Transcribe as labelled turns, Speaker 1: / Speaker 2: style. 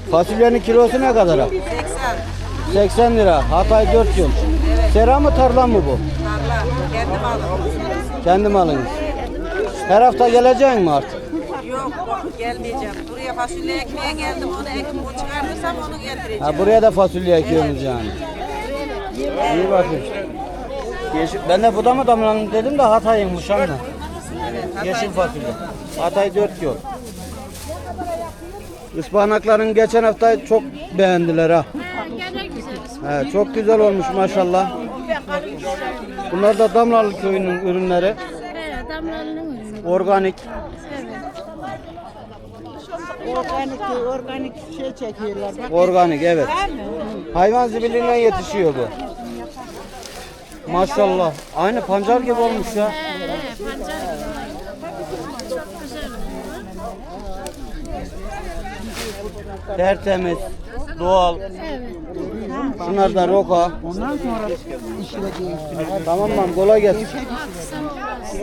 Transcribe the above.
Speaker 1: Fasulyenin kilosu ne kadar?
Speaker 2: 80.
Speaker 1: 80 lira. Hatay 4 yıl. Sera mı tarla mı bu?
Speaker 2: Tarla. Kendim aldım.
Speaker 1: Kendi malınız. Her hafta geleceksin mi artık?
Speaker 2: Yok gelmeyeceğim. Buraya fasulye ekmeye geldim. Onu ekim bu çıkartırsam onu getireceğim.
Speaker 1: Ha, buraya da fasulye ekiyorsunuz yani. İyi bakın. Ben de bu da mı damlanın dedim de Hatay'ıymış ama. Yeşil fasulye. Hatay 4 yol. Ispanakların geçen hafta çok beğendiler ha.
Speaker 3: Gene güzel.
Speaker 1: He, çok güzel olmuş maşallah. Bunlar da Damlalı köyünün ürünleri.
Speaker 3: Evet, damlanın ürünü.
Speaker 1: Organik.
Speaker 4: Organik şey çekiyorlar. Bak.
Speaker 1: Organik evet. Hayvan zibilinden yetişiyor bu. Maşallah. Aynı pancar gibi olmuş ya.
Speaker 3: Pancar çok güzel.
Speaker 1: Tertemiz, doğal.
Speaker 3: Evet.
Speaker 1: Şunlar da roka.
Speaker 4: Ondan sonra işlediği üstüne.
Speaker 1: Tamam lan kolay gelsin.
Speaker 3: Aksan olmaz.